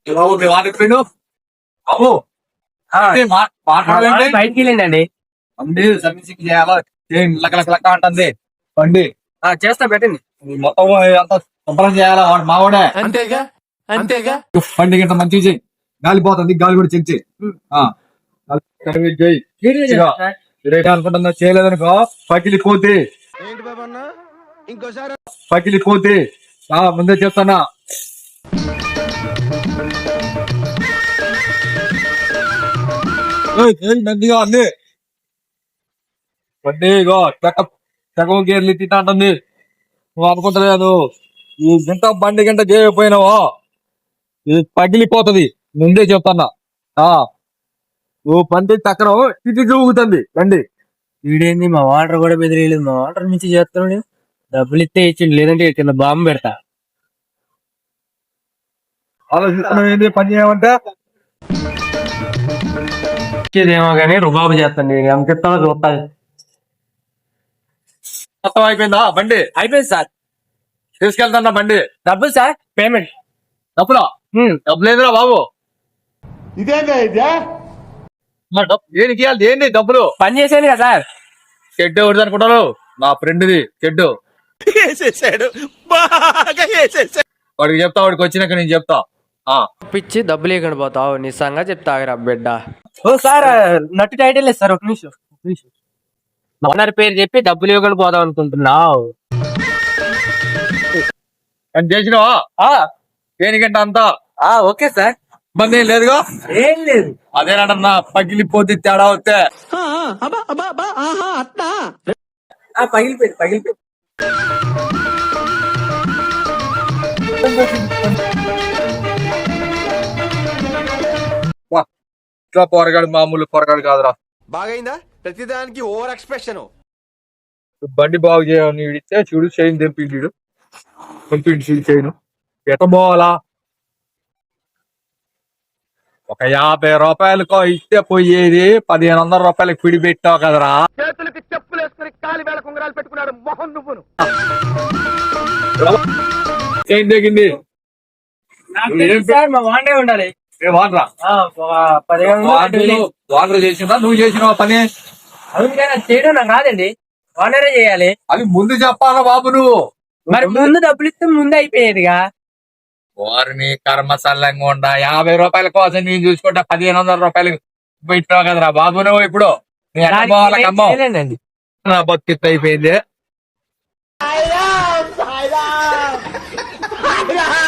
బాబు మీ వాడు ఎప్పుడు బాబు మాట్లాడాలంటే బయటికి వెళ్ళండి. బండి సర్వీసింగ్ చేయాలా లక్క అంటుంది బండి చేస్తా పెట్టండి. మొత్తం అంతా శుభ్రం చేయాలా వాడు మావాడే అంతేగా అంతేగా. బండి గింత మంచిగా చెయ్యి. గాలి పోతుంది గాలి కూడా చెక్ చేయి. అనుకుంటున్నా చేయలేదనుకో పగిలిపోతే ఏంటి బాబన్నా ఇంకోసారి పగిలిపోతే ముందే చెప్తానా. నందిగా అంది బండి ఇగో సగం గేర్లు తింటా అంటుంది. నువ్వు అనుకుంటలేదు ఈ గంట బండి గంట చేయకపోయినావో ఇది పగిలిపోతుంది ముందే చెప్తానా. ఓ బండి చక్రం ఇటు ఊగుతుంది బండి. వీడేంది మా వాటర్ కూడా బెదిరియలేదు. మా వాటర్ నుంచి చేస్తున్నాడు. డబ్బులు ఇస్తే ఇచ్చిండు, లేదంటే కింద బాంబు పెడతా. ఆలోచిస్తున్నావు ఏంటి పని చేయమంటే ఇచ్చేదేమో కానీ రుబాబు చేస్తాను. నేను ఎంత ఇస్తానో చూస్తా. మొత్తం అయిపోయిందా బండి? అయిపోయింది సార్. తీసుకెళ్తానా బండి? డబ్బులు సార్, పేమెంట్. డబ్బులా? డబ్బులు లేదురా బాబు. ఇదేందా ఇదే దేనికి ఇవ్వాలి? దేని డబ్బులు? పని చేశాను కదా సార్. షెడ్ ఎవరిది అనుకుంటారు? నా ఫ్రెండ్ది షెడ్. వేసేసాడు బాగా వేసేసాడు. వాడికి చెప్తా, వాడికి వచ్చినాక నేను చెప్తా. పిచ్చి డబ్బులు ఇవ్వకుండా పోతావు. నిజంగా చెప్తావురా బిడ్డ. ఓ సార్ నట్టు టైటిల్ లేదు సార్. ఒక నిమిషం. ఓనర్ పేరు చెప్పి డబ్బులు ఇవ్వకుండా పోదాం అనుకుంటున్నావు. అని చేసినావా? దేనికంటే అంతా ఓకే సార్. ఇబ్బంది ఏం లేదుగా? ఏం లేదు. అదేనన్నా పగిలిపోతే తేడా వస్తే పగిలిపోయింది. ఇట్లా పొరగాడు మామూలు పొరగాడు కాదురా. బాగైందా? ప్రతిదానికి ఓవర్ ఎక్స్ప్రెషన్. బండి బాగు చేయని ఇడితే చూడు చైన్ తెంపిండు. చైన్ ఎట పోవాలా? ఒక 50 రూపాయలకో ఇస్తే పోయేది 1500 రూపాయలకి పిడి పెట్టావు కదరా. చేతులకి చెప్పులు వేసుకుని కాలి వేళ కుంగరాలు పెట్టుకున్నాడు మొహం నువ్వును. చైన్ తెగింది. సార్ మా వాండే ఉండాలి. వాడరా వాటర్ చేసినా నువ్వు చేసినావా పని? అవును చేయడం నాకు రాదండి. వాండరే చేయాలి. అది ముందు చెప్పాలా బాబు నువ్వు? మరి ముందు డబ్బులు ఇస్తే ముందు అయిపోయేదిగా. వారిని కర్మసల్లంగా ఉండా 50 రూపాయల కోసం నేను చూసుకుంటా 1500 రూపాయలకి పెట్టావు కదరా బాబు నువ్వు. ఇప్పుడు నా బతికిట్ అయిపోయింది.